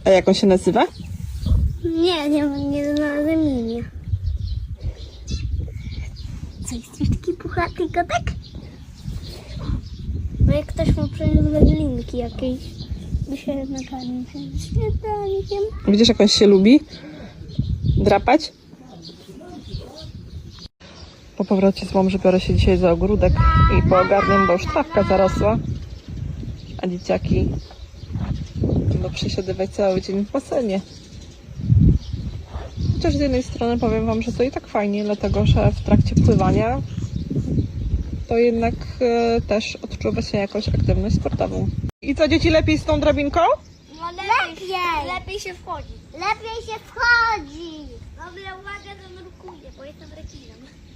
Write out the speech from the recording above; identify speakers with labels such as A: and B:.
A: A jak on się nazywa?
B: Nie znalazłem imię. Co, jesteś taki puchaty kotek? Bo jak ktoś ma przynajmniej wędlinki jakieś, by się nakarmił śniadaniem.
A: Widzisz, jak on się lubi drapać? Po powrocie z Łomży biorę się dzisiaj za ogródek i poogarniam, bo już trawka zarosła, a dzieciaki będą przesiadywać cały dzień w basenie. Chociaż z jednej strony powiem wam, że to i tak fajnie, dlatego że w trakcie pływania to jednak też odczuwa się jakąś aktywność sportową. I co, dzieci, lepiej z tą drabinką?
B: No lepiej się wchodzi. Lepiej się wchodzi. Dobra, uwaga, zanurkuję, bo jestem rekinem.